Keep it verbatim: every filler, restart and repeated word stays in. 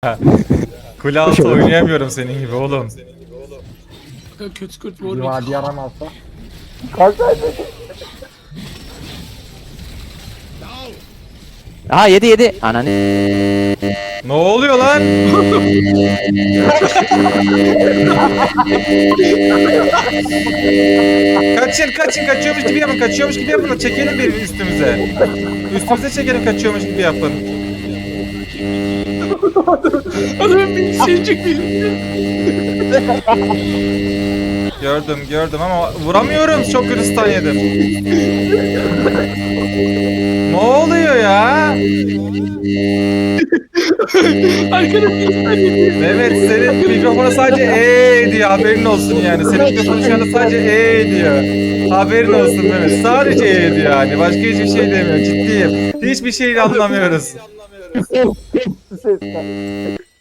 Kule altı oynayamıyorum senin gibi oğlum. Kötü kurt Bir vurdu. vadi yaramazsa. Kaç tane? Aha yedi yedi. Ananı. Ne oluyor lan? Kaçın kaçın kaçıyormuş gibi yapın kaçıyormuş gibi yapın da çekelim birini üstümüze. Üstümüze çekelim kaçıyormuş gibi yapın. Adamın bir şeycik bir. Gördüm gördüm ama vuramıyorum, çok kötü stun yedim. Ne oluyor ya? Arkadaşlar Evet, senin mikrofonu sadece eee diyor, haberin olsun yani. Senin mikrofonu şu anda sadece eee diyor. Haberin olsun Mehmet. Sadece eee diyor yani. Başka hiçbir şey demiyor. Ciddiyim. Hiçbir şeyi anlamıyoruz. Sesler.